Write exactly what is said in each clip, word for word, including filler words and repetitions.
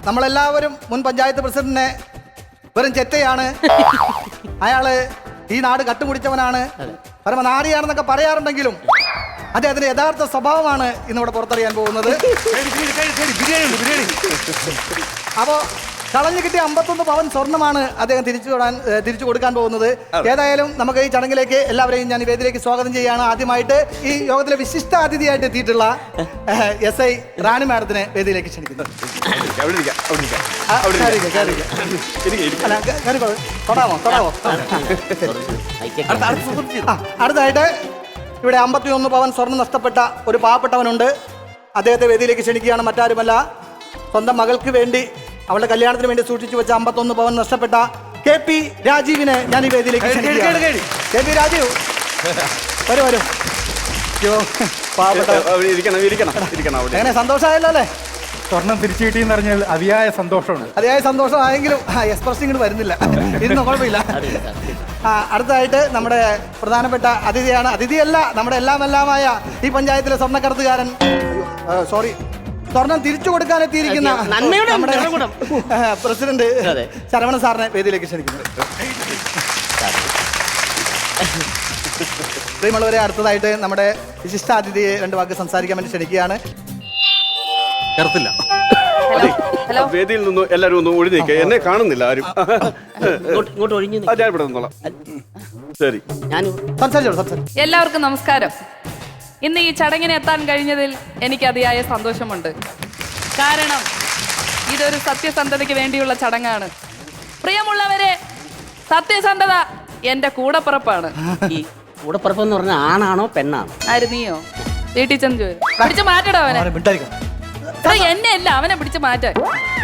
നമ്മളെല്ലാവരും മുൻ പഞ്ചായത്ത് പ്രസിഡന്റിനെ വെറും ചെറ്റയാണ്, അയാള് ഈ നാട് കട്ടുമുടിച്ചവനാണ്, പരമനാരിയാണെന്നൊക്കെ പറയാറുണ്ടെങ്കിലും അദ്ദേഹത്തിന്റെ യഥാർത്ഥ സ്വഭാവമാണ് ഇന്നിവിടെ പുറത്തറിയാൻ പോകുന്നത്. അപ്പോ കളഞ്ഞു കിട്ടിയ അമ്പത്തൊന്ന് പവൻ സ്വർണ്ണമാണ് അദ്ദേഹം തിരിച്ചു വിടാൻ തിരിച്ചു കൊടുക്കാൻ പോകുന്നത്. ഏതായാലും നമുക്ക് ഈ ചടങ്ങിലേക്ക് എല്ലാവരെയും ഞാൻ ഈ വേദിയിലേക്ക് സ്വാഗതം ചെയ്യുകയാണ്. ആദ്യമായിട്ട് ഈ യോഗത്തിലെ വിശിഷ്ട അതിഥിയായിട്ട് എത്തിയിട്ടുള്ള എസ് ഐ റാണി മാഡത്തിനെ വേദിയിലേക്ക് ക്ഷണിക്കുന്നു. തൊടാമോ തൊടാമോ അടുത്തായിട്ട് ഇവിടെ അമ്പത്തി ഒന്ന് പവൻ സ്വർണ്ണം നഷ്ടപ്പെട്ട ഒരു പാവപ്പെട്ടവനുണ്ട്. അദ്ദേഹത്തെ വേദിയിലേക്ക് ക്ഷണിക്കുകയാണ്. മറ്റാരുമല്ല, സ്വന്തം മകൾക്ക് വേണ്ടി അവളുടെ കല്യാണത്തിന് വേണ്ടി സൂക്ഷിച്ചു വെച്ച അമ്പത്തൊന്ന് പവൻ നഷ്ടപ്പെട്ട കെ പി രാജീവിനെ ഞാൻ ഈ വേദിയിലേക്ക് ക്ഷണിക്കുകയാണ്. കെ പി രാജീവ് വരൂ വരൂ. എങ്ങനെ സന്തോഷമായല്ലോ അല്ലേ? സ്വർണം തിരിച്ചു കിട്ടിയെന്ന് പറഞ്ഞാൽ അതിയായ സന്തോഷമാണ്. അതിയായ സന്തോഷമായെങ്കിലും എക്സ്പ്രഷൻ ഇങ്ങോട്ട് വരുന്നില്ല. ഇരുന്നോ, കുഴപ്പമില്ല. ആ അടുത്തതായിട്ട് നമ്മുടെ പ്രധാനപ്പെട്ട അതിഥിയാണ്. അതിഥിയല്ല, നമ്മുടെ എല്ലാം എല്ലാമായ ഈ പഞ്ചായത്തിലെ സ്വർണ്ണക്കടത്തുകാരൻ, സോറി സ്വർണം തിരിച്ചു കൊടുക്കാൻ എത്തിയിരിക്കുന്ന നമ്മുടെ പ്രസിഡന്റ് ശരവണ സാറിനെ വേദിയിലേക്ക് ക്ഷണിക്കുന്നു. പ്രിയമുള്ളവരെ, അടുത്തതായിട്ട് നമ്മുടെ വിശിഷ്ടാതിഥിയെ രണ്ട് വാക്ക് സംസാരിക്കാൻ വേണ്ടി ക്ഷണിക്കുകയാണ്. വേദിയിൽ നിന്ന് എല്ലാരും ഒന്ന് ഒഴിഞ്ഞേക്ക്. എന്നെ കാണുന്നില്ല ആരും. ശരി, എല്ലാവർക്കും നമസ്കാരം. ഇന്ന് ഈ ചടങ്ങിന് എത്താൻ കഴിഞ്ഞതിൽ എനിക്ക് അതിയായ സന്തോഷമുണ്ട്. കാരണം ഇതൊരു സത്യസന്ധതയ്ക്ക് വേണ്ടിയുള്ള ചടങ്ങാണ്. പ്രിയമുള്ളവരെ, സത്യസന്ധത എന്റെ കൂടപ്പിറപ്പാണ്. ഈ കൂടപ്പിറപ്പ് എന്ന് പറഞ്ഞാൽ ആണാണോ പെണ്ണാണോ? ആര്, നീയോ? വീട്ടിൽ ചെന്ന് ചോദിച്ചു പിടിച്ച് മാറ്റടോ അവനെ. എന്നെ അല്ല, അവനെ പിടിച്ച് മാറ്റാൻ.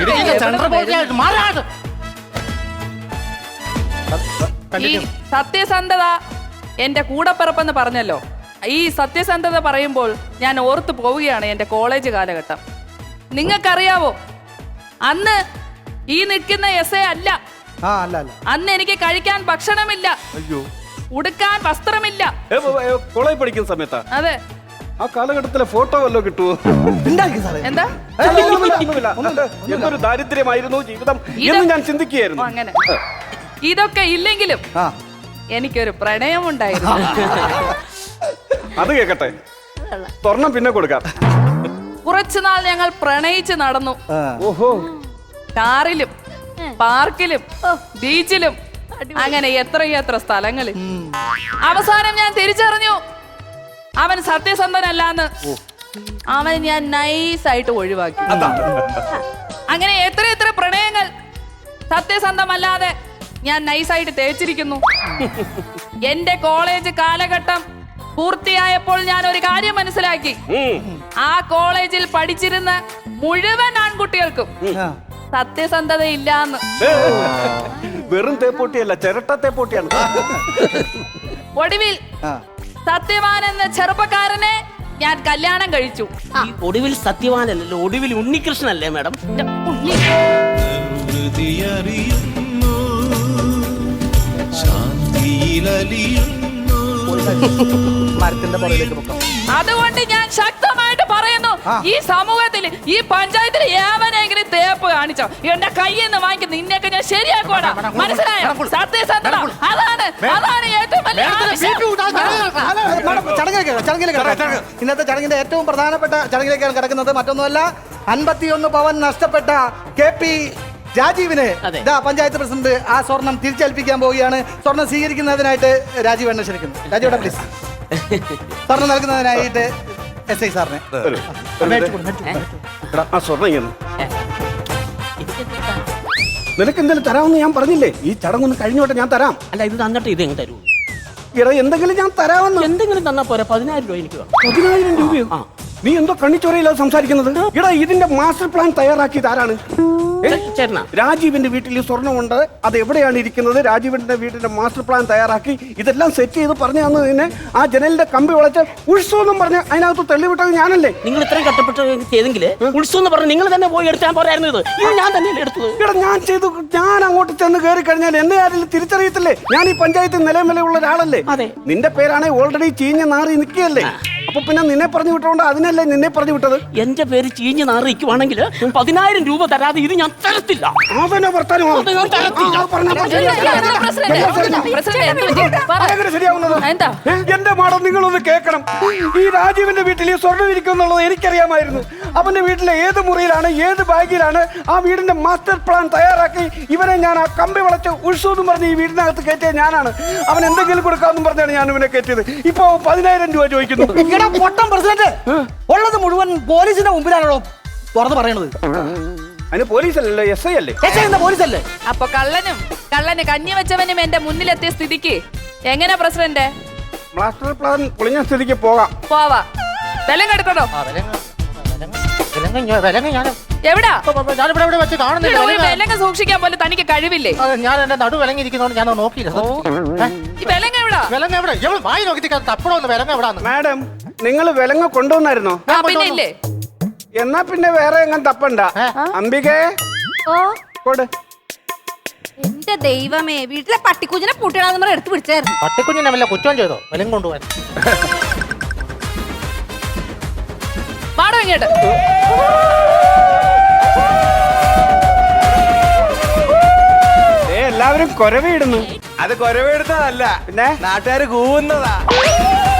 ഈ സത്യസന്ധത എന്റെ കൂടപ്പിറപ്പെന്ന് പറഞ്ഞല്ലോ. ഈ സത്യസന്ധത പറയുമ്പോൾ ഞാൻ ഓർത്തു പോവുകയാണ് എൻ്റെ കോളേജ് കാലഘട്ടം. നിങ്ങൾക്കറിയാവോ, അന്ന് ഈ നിൽക്കുന്ന എസ് എ അല്ല, അന്ന് എനിക്ക് കഴിക്കാൻ ഭക്ഷണമില്ല, ഉടുക്കാൻ വസ്ത്രമില്ല. കോളേജ് പഠിക്കുന്ന സമയത്താ? അതെ. ആ കാലഘട്ടത്തിലെ ഫോട്ടോ വല്ലോ കിട്ടുമോ? എന്താ? എന്തൊരു ദാരിദ്ര്യമായിരുന്നു ജീവിതം എന്ന് ഞാൻ ചിന്തിക്കുകയായിരുന്നു. അങ്ങനെ ഇതൊക്കെ ഇല്ലെങ്കിലും എനിക്കൊരു പ്രണയമുണ്ടായിരുന്നു. അത് കേക്കട്ടെ, സ്വർണം പിന്നെ കൊടുക്കാം. കുറച്ചുനാൾ ഞങ്ങൾ പ്രണയിച്ച് നടന്നു. ഓഹോ, കാറിലും പാർക്കിലും ബീച്ചിലും അങ്ങനെ എത്രയെത്ര സ്ഥലങ്ങളിൽ. അവസാനം ഞാൻ തിരിച്ചറിഞ്ഞു അവൻ സത്യസന്ധനല്ലാന്ന്. അവൻ ഞാൻ നൈസായിട്ട് ഒഴിവാക്കി. അങ്ങനെ എത്ര എത്ര പ്രണയങ്ങൾ സത്യസന്ധമല്ലാതെ ഞാൻ നൈസായിട്ട് തേച്ചിരിക്കുന്നു. എന്റെ കോളേജ് കാലഘട്ടം പൂർത്തിയായപ്പോൾ ഞാൻ ഒരു കാര്യം മനസ്സിലാക്കി. ആ കോളേജിൽ പഠിച്ചിരുന്ന മുഴുവൻ ആൺകുട്ടികൾക്കും സത്യസന്ധത ഇല്ലാന്ന്. വെറും തേപ്പൊട്ടിയല്ല, ചിരട്ട തേപ്പൊട്ടിയാണ്. ഒടുവിൽ സത്യവാൻ എന്ന ചെറുപ്പക്കാരനെ ഞാൻ കല്യാണം കഴിച്ചു. ഒടുവിൽ സത്യവാനല്ലോ, ഒടുവിൽ ഉണ്ണികൃഷ്ണനല്ലേ മാഡം? മരത്തിന്റെ പുറകിലേക്ക് പൊക്കാം. അതുകൊണ്ട് ഞാൻ ശക്തമായിട്ട് പറയുന്നു, ഈ സമൂഹത്തിൽ ഈ പഞ്ചായത്തിൽ ഏവനെങ്കിലും തേപ്പ് കാണിച്ചോ എന്റെ കയ്യിൽ നിന്ന് വാങ്ങിക്കുന്ന നിന്നെയൊക്കെ ഞാൻ ശരിയാക്കോടാ. മനസ്സിലായോ? സത്യസന്ധത അതാണ് അതാണ് ഏറ്റവും വലിയ. ഇന്നത്തെ ചടങ്ങിന്റെ ഏറ്റവും പ്രധാനപ്പെട്ട ചടങ്ങിലേക്കാണ് കിടക്കുന്നത്. മറ്റൊന്നുമല്ല, അൻപത്തിയൊന്ന് പവൻ നഷ്ടപ്പെട്ട കെ പി രാജീവിന് ഇതാ പഞ്ചായത്ത് പ്രസിഡന്റ് ആ സ്വർണം തിരിച്ചേൽപ്പിക്കാൻ പോവുകയാണ്. സ്വർണം സ്വീകരിക്കുന്നതിനായിട്ട് രാജീവ് എന്നെ ക്ഷണിക്കുന്നു. രാജീവ് പ്ലീസ്. സ്വർണം നൽകുന്നതിനായിട്ട് എസ് ഐ സാറിനെ. നിനക്ക് എന്തെങ്കിലും തരാമെന്ന് ഞാൻ പറഞ്ഞില്ലേ? ഈ ചടങ്ങൊന്ന് കഴിഞ്ഞോട്ടെ, ഞാൻ തരാം. അല്ല, ഇത് തന്നിട്ട് ഇത് എങ്ങനെ തരൂ? ഇട എന്തെങ്കിലും ഞാൻ തരാമെന്ന്. എന്തെങ്കിലും തന്നാ പോരാ? പതിനായിരം രൂപ എനിക്ക്. പതിനായിരം രൂപയോ? നീ എന്തോ കണ്ണിച്ചോരയില്ലാതെ സംസാരിക്കുന്നത്? ഇടാ, ഇതിന്റെ മാസ്റ്റർ പ്ലാൻ തയ്യാറാക്കിയത് ആരാണ്? രാജീവിന്റെ വീട്ടിൽ ഈ സ്വർണ്ണമുണ്ട്, അത് എവിടെയാണ് ഇരിക്കുന്നത്? രാജീവിന്റെ വീട്ടിന്റെ മാസ്റ്റർ പ്ലാൻ തയ്യാറാക്കി ഇതെല്ലാം സെറ്റ് ചെയ്ത് പറഞ്ഞു തന്നതിന് ആ ജനലിന്റെ കമ്പി വളച്ച് ഉത്സവം പറഞ്ഞ് അതിനകത്ത് തെളിവിട്ടത് ഞാനല്ലേ? നിങ്ങൾ ഇത്രയും കഷ്ടപ്പെട്ട് ചെയ്തെങ്കിൽ ഉത്സവം എന്ന് പറഞ്ഞ് നിങ്ങൾ തന്നെ പോയി എടുത്താൽ പോരായിരുന്നു. ഇത് ഇത് ഞാൻ തന്നെയല്ലേ എടുത്തത്? ഇവിടെ ഞാൻ ചെയ്തു. ഞാൻ അങ്ങോട്ട് ചെന്ന് കയറി കഴിഞ്ഞാൽ എന്നെ ആരെങ്കിലും തിരിച്ചറിയത്തില്ലേ? ഞാൻ ഈ പഞ്ചായത്തിൽ നിലവിലുള്ള ഒരാളല്ലേ? അതെ. നിന്റെ പേരാണെങ്കിൽ ഓൾറെഡി ചീഞ്ഞ നാറി നിൽക്കുകയല്ലേ? അപ്പൊ പിന്നെ നിന്നെ പറഞ്ഞു വിട്ടോണ്ട് അതിനല്ലേ നിന്നെ പറഞ്ഞു വിട്ടത്. എന്റെ പേര് ചീഞ്ഞ് നാറിക്കുവാണെങ്കിൽ പതിനായിരം രൂപ തരാതെ ഇത് ഞാൻ തരത്തില്ല. അതന്നെ വർത്താനം. അത് ഞാൻ തരത്തില്ല. ആ, പറഞ്ഞാ മതി. പ്രസിഡന്റ്, പ്രസിഡന്റ്, എന്ത് പറ്റി? പറ. അതെങ്ങനെ ശരിയാവുന്നത്? എന്താ? ഏ, എന്റെ മാഡം നിങ്ങളൊന്ന് കേൾക്കണം. ഈ രാജീവിന്റെ വീട്ടിൽ ഈ സ്വർണ്ണം ഇരിക്കുന്നുള്ളത് എനിക്കറിയാമായിരുന്നു. അവന്റെ വീട്ടിലെ ഏത് മുറിയിലാണ് ഏത് ബാഗിലാണ് ആ വീടിന്റെ മാസ്റ്റർ പ്ലാൻ തയ്യാറാക്കി ഇവനെ ഞാൻ ആ കമ്പി വളച്ച് ഉത്സവം എന്ന് പറഞ്ഞ് ഈ വീടിനകത്ത് കയറ്റിയ ഞാനാണ്. അവൻ എന്തെങ്കിലും കൊടുക്കാമെന്നും പറഞ്ഞാണ് ഞാൻ ഇവനെ കയറ്റിയത്. ഇപ്പൊ പതിനായിരം രൂപ ചോദിക്കുന്നു. ഇങ്ങനെ പൊട്ടം പ്രസിഡന്റ് ഉള്ളത് മുഴുവൻ പോലീസിന്റെ മുമ്പിലാണല്ലോ തുറന്ന് പറയണത്. അതിന് പോലീസല്ലല്ലോ, എസ് ഐ അല്ലേ? പോലീസല്ലേ? അപ്പൊ കള്ളനും കള്ളന് കഞ്ഞി വെച്ചവനും എന്റെ മുന്നിലെത്തിയ സ്ഥിതിക്ക് എങ്ങനെ പ്രസിഡന്റ് മാസ്റ്റർ പ്ലാൻ പൊളിഞ്ഞ സ്ഥിതിക്ക് പോകാം. പോവാ? ബലം കെടുക്കണോ? എവിടാ ഞാനിവിടെ ഇവിടെ വെച്ച് കാണുന്നില്ല. ഒരു വിലങ്ങ സൂക്ഷിക്കാൻ പോലും തനിക്ക് കഴിവില്ലേ? ഞാൻ എന്റെ നടു വിലങ്ങിയിരിക്കുന്നോണ്ട് ഞാൻ നോക്കിയില്ല. ഈ വിലങ്ങ എവിടാ? വിലങ്ങ എവിടെ? എവിടെ വായി നോക്കി തപ്പടോന്ന് വിലങ്ങ എവിടാന്ന്. മാഡം, നിങ്ങൾ വിലങ്ങ കൊണ്ടുവന്നായിരുന്നോ? ആ, പിന്നെ ഇല്ലേ? എന്നാ പിന്നെ വേറെ എങ്ങനെ തപ്പണ്ട. അംബികേ, ഓ കൊട്. എന്റെ ദൈവമേ, വീട്ടിലെ പട്ടിക്കുഞ്ഞിനെ പൂട്ടിടാന്ന് പറഞ്ഞ് എടുത്ത് പിടിച്ചായിരുന്നു. പട്ടിക്കുഞ്ഞിനെ വല്ല കുറ്റം ചെയ്തോ വിലങ്ങ കൊണ്ടുപോകാൻ? പാടോ ഇങ്ങോട്ട്. ഏ, എല്ലാവരും കൊരവിടുന്നു. അത് കൊരവെടുത്തതല്ല, പിന്നെ നാട്ടുകാര് കൂവുന്നതാ.